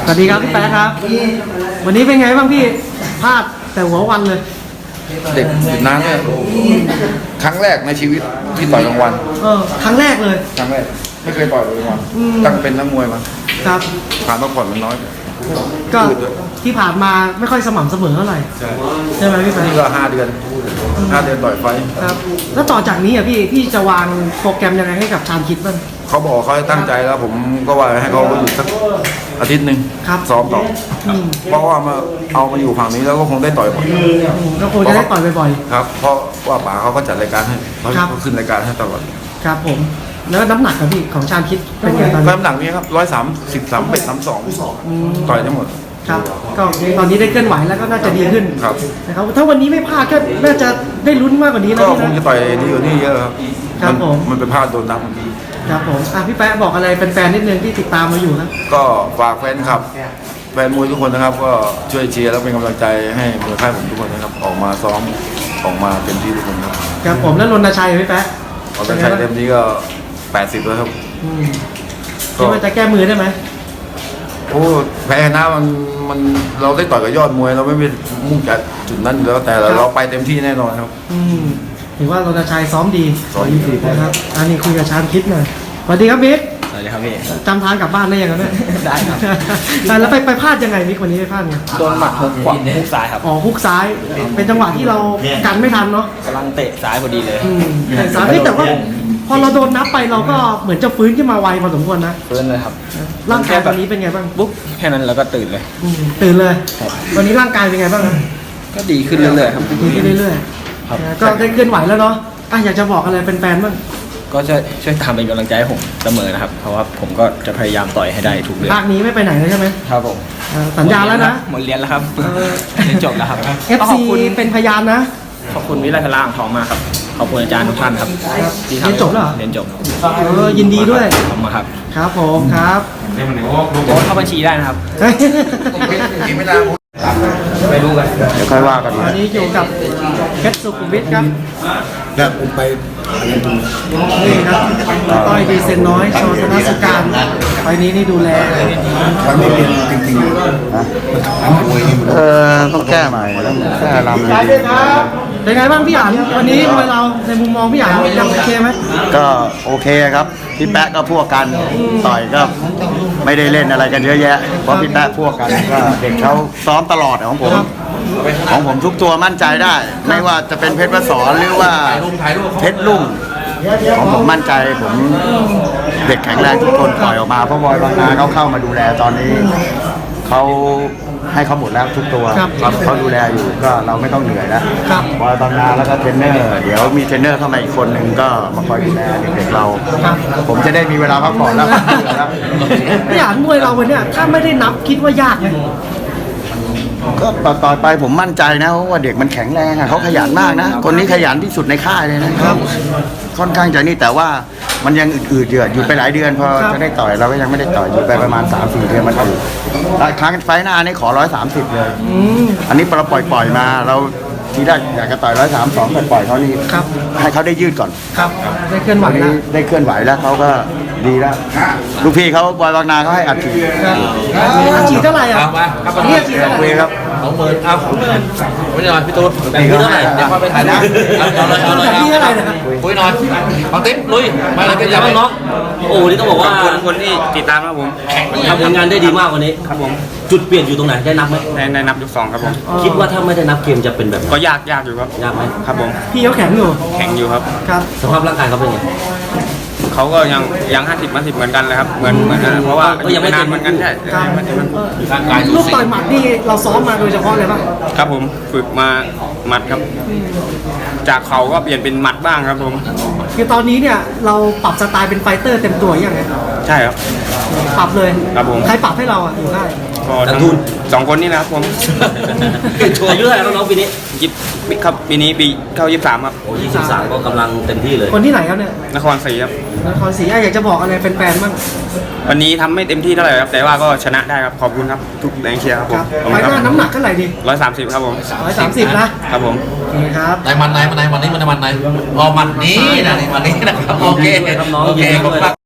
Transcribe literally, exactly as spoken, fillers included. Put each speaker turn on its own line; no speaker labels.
สวัสดีครับพี่แป๊ะครับวันนี้เป็นไงบ้างพี่พลาดแต่หัววันเลย
เด็กหยุดน้ำเนี่ยครั้งแรกในชีวิตที่ต่อยกลางวัน
เออครั้งแรกเลย
ครั้งแรกไม่เคยต่อยกลางวันตั้งเป็นนักมวยมา
ครับ
ผ่านพักผ่อนมันน้อย
ก็ที่ผ่านมาไม่ค่อยสม่ำเสมอเท่าไหร่
ใช่
ใช่ไหมพี่แป๊ะ
นี่ก็ห้าเดือนห้าเดือนต่อยไฟ
ครับแล้วต่อจากนี้อ่ะพี่พี่จะวางโปรแกรมยังไงให้กับชาญคิดบ้าง
เขาบอกเขาตั้งใจแล้วผมก็ว่าให้เขาหยุดสักอาทิตย์หนึ่งซ้อมต่อเพราะว่ามาเอามาอยู่ฝั่งนี้แล้วก็คงได้ต่อยบ่อย
ก็คงจะได้ต่อยบ่อย
ๆครับเพราะว่าป๋าเขาก็จัดรายการให้เขาขึ้นรายการให้ตลอด
ครับผมแล้วน้ำหนักของพี่ของชาญคิดเป็นไงตอนนี้
น้ำหนักนี้ครับร้อยสามสิบสามเป็ดสามสองต่อยทั้งหมด
ครับก็ตอนนี้ได้เคลื่อนไหวแล้วก็น่าจะดีขึ้น
ครับ
นะครับถ้าวันนี้ไม่พลาดก็น่าจะได้ลุ้นมากกว่านี้นะ
ก็คงจะต่อยดีกว่านี้เยอะครับ
ครับผม
มันเป็นพลาดโดนนับ
ครับผมอ่ะพี่แป๊ะบอกอะไรแฟนๆนิดนึงที่ติดตามมาอยู่นะ
ก็ฝากแฟนคลับแฟนมวยทุกคนนะครับก็ช่วยเชียร์และเป็นกำลังใจให้มวยค่ายผมทุกคนนะครับออกมาซ้อมออกมาเต็มที่ทุกคนครับ
ครับผมแล้วรณชัยพี่แป๊ะ
รณชัยเต็มที่ก็แปดสิบแล้วครับ
คิดว่าจะแก้มือได้ไหม
โอ้แพ้นะมันมันเราได้ต่อยกับยอดมวยเราไม่ไปมุ่งจากจุดนั้นอยู่แล้วแต่เราไปเต็มที่แน่นอนครับ
ถือว่ารณชัยซ้อมดี
ซ้อมดี
นะครับอันนี้คุยกับชาญคิดหน่อยสวัสดีครับบิ๊ก
สวัสดีครับพี่
จำทางกลับบ้านได้ยังไงเนี่ย
ได้ครับ
แล้วไปไปพลาดยังไงบิ๊กวันนี้ไปพลาดไง
โดนหมัดฮุกขวาฮุกซ้ายครับ
อ๋อฮุกซ้ายเป็นจังหวะที่เรากันไม่ทันเนาะ
กำลังเตะซ้ายพอดีเลย
แต่ซ้ายแต่ว่าพอเราโดนนับไปเราก็เหมือนจะฟื้นขึ้นมาไวพอสมควรนะ
ฟื้นเลยครับ
ร่างกายตอนนี้เป็นไงบ้าง
บุ๊กแค่นั้นเราก็ตื่นเลย
ตื่นเลยตอนนี้ร่างกายเป็นไงบ้าง
ก็ดีขึ้นเรื่อยๆครับ
ดีขึ้นเรื่อยๆก็ได้เคลื่อนไหวแล้วเนาะอยากจะบอกอะไรแฟนๆบ้าง
ก็ช่วยช่วยทำเป็นกำลังใจให้ผมเสมอนะครับเพราะว่าผมก็จะพยายามต่อยให้ได้ทุกเดือน
ภาคนี้ไม่ไปไหนเลยใช่ไหม
ครับผม
สัญญาแล้วนะ
หมดเรียนแล้วครับเรียนจบแล้วครับ
เอฟ ซี เป็นพยานนะ
ขอบคุณวิไลพลาอ่างทองมากครับขอบคุณอาจารย์ทุกท่านครับ
ที่ทำเรียนจบแล้ว
เรียนจบ
ยินดีด้วย
ขอบคุณครับ
ครับผมครับ
โอนเข้าบัญชีได้นะครับ
ไม่ได้
ไม่รู้กัน
เดี๋ยวค่อยว่ากัน
วันนี้อยู่กับเพชรสุขุมวิทครับ
แล้วผมไป
นี่ครับต้อยดีเซนน้อยโชว์ธนสการไปนี้นี่ดูแล
ครั้งนี้เรียนจริงๆนะเออต้องแก้ใหม่ต้องแก้ลำเลย
เป็นไงบ้างพี่อ่านวันนี้มวยเราในมุมมองพี่อ่านยังโอเคไหม
ก็โอเคครับพี่แป๊ะก็พวกกันต่อยก็ไม่ได้เล่นอะไรกันเยอะแยะเพราะพี่แป๊ะพวกกันก็เด็กเขาซ้อมตลอดของผมของผมทุกตัวมั่นใจได้ไม่ว่าจะเป็นเพชรวสรหรือว่าเพชรลุ่งของผมมั่นใจผมเด็กแข็งแรงทุกคนปล่อยออกมาเพราะบอยบางนาเขาเข้ามาดูแลตอนนี้เขาให้เขาหมดแล้วทุกตัวเขาดูแลอยู่ก็เราไม่ต้องเหนื่อยแล้วบอยบางนาแล้วก็เทรนเนอร์เดี๋ยวมีเทรนเนอร์เข้ามาอีกคนหนึ่งก็มาคอยดูแลเด็กๆเราผมจะได้มีเวลาพักผ่อนแล้ว
พี่อ่านมวยเราวันนี้ถ้าไม่ได้นับคิดว่ายากไหม
ก็ต่อไปผมมั่นใจนะเพราะว่าเด็กมันแข็งแรงอ่ะเขาขยันมากนะคนนี้ขยันที่สุดในค่ายเลยนะครับค่อนข้างใจนี่แต่ว่ามันยังอืดๆเดือดอยู่ไปหลายเดือนพอจะได้ต่อยเราก็ยังไม่ได้ต่อยอยู่ไปประมาณ สามสี่ เดือนมันอืดครั้งไฟหน้านี่ขอร้อยสามสิบเลยอันนี้เราปล่อยๆมาเราทีแรกอยากจะต่อยร้อยสามสองปล่อยเขานี่ให้เขาได้ยืดก่อน
ครับได้เคลื่อนไหวแล้ว
ได้เคลื่อนไหวแล้วเขาก็ดีแล้วลูกพี่เขาบอยบางนาเขาให้อัดฉีด
อัดฉีดเท่าไหร่อ่ะ
เรียกฉีดเท่าไหร่ครับ
สองหมื่นเอาไม่ใช่พี่ตูนแบบนี้เท่าไหร่เดี๋ยวพอไปถ่ายนะเอาเลยเอาเลยเอาเลยคุยหน่อยฟังติ๊บลุยมาเลยเป็นยังไงน้อง
โอ้นี่ต้องบอกว่า
คนที่ติดตามครับผม
ทำผลงานได้ดีมากวันนี้
ครับผม
จุดเปลี่ยนอยู่ตรงไหนได้นับไหม
ได้นับยกสองครับผม
คิดว่าถ้าไม่ได้นับเกมจะเป็นแบบ
ก็ยากยากอยู่ครับ
ยากไหม
ครับผม
พี่เขาแข็งอยู่
แข็งอยู่ครับ
ครับ
สภาพร่างกายเขาเป็นไง
เขาก็ยังยังห้าสิบห้าสิบเหมือนกันเลยครับเหมือนเหมือนเพราะว่า
ยังไม่
นานเหมือนกันใช่
ลูกต่อยหมัดนี่เราซ้อมมาโดยเฉพาะเลยป่ะ
ครับผมฝึกมาหมัดครับจากเขาก็เปลี่ยนเป็นหมัดบ้างครับผม
คือตอนนี้เนี่ยเราปรับสไตล์เป็นไฟเตอร์เต็มตัวยังไง
ใช่ครับ
ปรับเลย
ครับผม
ใครปรับให้เราอ่ะอยู่ได้
ก็ทั้งสองคนนี่นะครับผม
อายุเท่าไหร่น้องปีนี้
ยี่สิบครับปีนี้ปีเข้ายี่สิบสามครับ
โอ้ยี่สิบสามก็กำลังเต็มที่เลย
คนที่ไหนครับเนี่ย
นครศรีครับ
นครศรีอยากจะบอกอะไรแฟนๆบ้าง
วันนี้ทำไม่เต็มที่เท่าไหร่ครับแต่ว่าก็ชนะได้ครับขอบคุณครับทุกแรงเชียร์ครับผม
ไฟหน้าน้ำหนักเท่าไหร่ดี
ร้อยสามสิบครับผม
ร้อยสามสิบนะครับ
ผม
โอเคครับ
ในมันไหนมันไหนวันนี้มันในมันไหนอ๋อมันนี้นะวันนี้นะครับโอเคโอเค